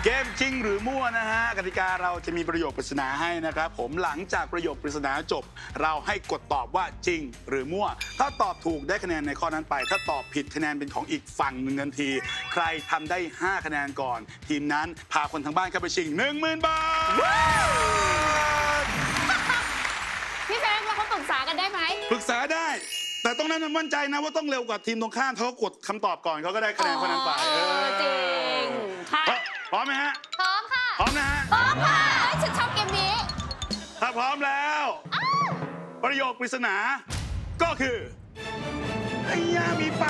เกมจริงหรือมั่วนะฮะกติกาเราจะมีประโยคปริศนาให้นะครับผมหลังจากประโยคปริศนาจบ เราให้กดตอบว่าจริงหรือมั่ว ถ้าตอบถูกได้คะแนนในข้อนั้นไป ถ้าตอบผิดคะแนนเป็นของอีกฝั่งหนึ่งทันที ใครทำได้ 5 คะแนนก่อน ทีมนั้นพาคนทางบ้านเข้าไปชิง 10,000 บาทพี่แบงค์เราเขาปรึกษากันได้ไหมปรึกษาได้ แต่ต้องนั้นมั่นใจนะว่าต้องเร็วกว่าทีมตรงข้ามเขากดคำตอบก่อนเขาก็ได้คะแนนคนนั้นไปจริงค่ะพร้อมไหมฮะพร้อมค่ะพร้อมนะฮะพร้อมค่ะฉันชอบเกมนี้ถ้าพร้อมแล้ว ประโยคปริศนาก็คือไอ้ยามีไฟ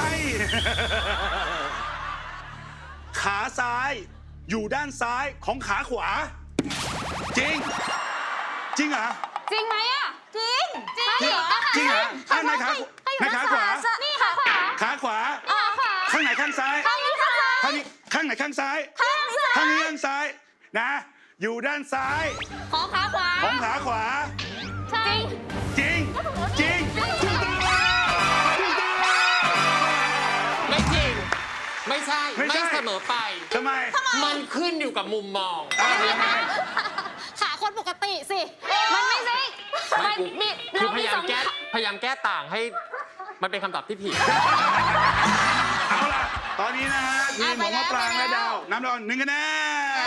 ขาซ้ายอยู่ด้านซ้ายของขาขวา จริง จริงเหรอจริงไหมอ่ะจริงจริงจริงเหรออ่ะไหนขาขวานี่ขาขวาขาขวาขวาข้างไหนข้างซ้ายข้างนี้ค่ะข้างนี้ข้างไหนข้างซ้ายข้างนี้ข้างนี้ข้างซ้ายนะ อยู่ด้านซ้ายของขาขวาของขาขวาจริงจริง จริงถูกต้องถูกต้องไม่จริง ไม่ใช่ไม่ใช่ไม่เสมอไปทำไมมันขึ้นอยู่กับมุมมองขาคนปกติสิ มันไม่ใช่ไม่กูมีคือเราพมียายาสมองแก้ต่างให้มันเป็นคำตอบที่ผิดเอาล่ะ ตอนนี้นะฮะทีมของมะปรางและดาวน้ำดาว1 คะแนน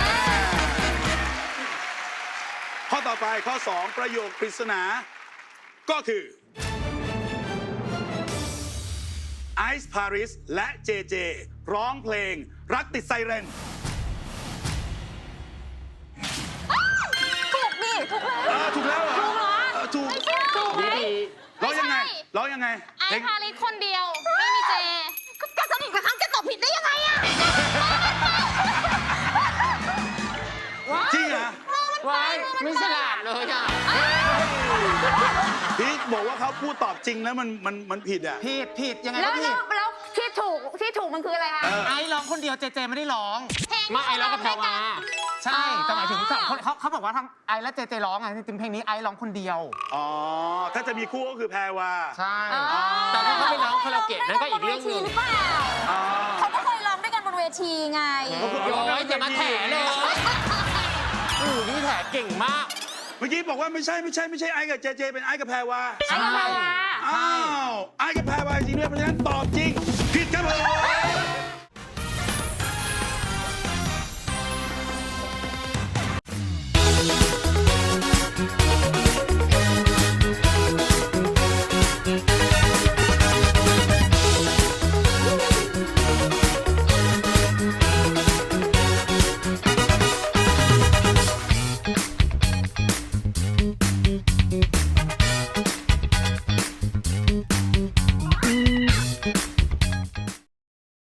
ข้อต่อไปข้อ 2 ประโยคปริศนา ก็คือไอซ์พาริสและเจเจร้องเพลงรักติดไซเรนถูกดิถูกเลยถูกแล้วเหรอถูกเหรอถูกถูกไหมร้องยังไงร้องยังไงไอพาริสคนเดียว ไม่มีเจก็สนิทกับครั้งจะตอบผิดได้ยังไงอะจริงเหรอว้ายไม่ฉลาดเลยอ่ะพีทบอกว่าเขาพูดตอบจริงแล้วมันผิดอ่ะผิดยังไงแล้ก็วผิดแล้วที่ถูกมันคืออะไรคะไอ้ร้องคนเดียวเจเจไม่ได้ร้องมาไอ้ร้องกับแพรวาใช่แต่หมายถึงสองคนเขาบอกว่าทั้งไอและเจเจร้องไงจริงๆเพลงนี้ไอร้องคนเดียวอ๋อ ถ้าจะมีคู่ก็คือแพรวาใช่แต่ถ้าเขาไปร้องคาราโอเกะนั่นก็อีกเรื่องหนึ่งหรือเปล่าอ๋อเขาก็เคยร้องด้วยกันบนเวทีไงโย้ยจะมาแถเลยนี่แถเก่งมากเมื่อกี้บอกว่าไม่ใช่ไอ้กับเจเจเป็นไอ้กับแพรวาไอ้กับแพรวาอ้าวไอ้กับแพรวาจริงด้วยเพราะฉะนั้นตอบจริ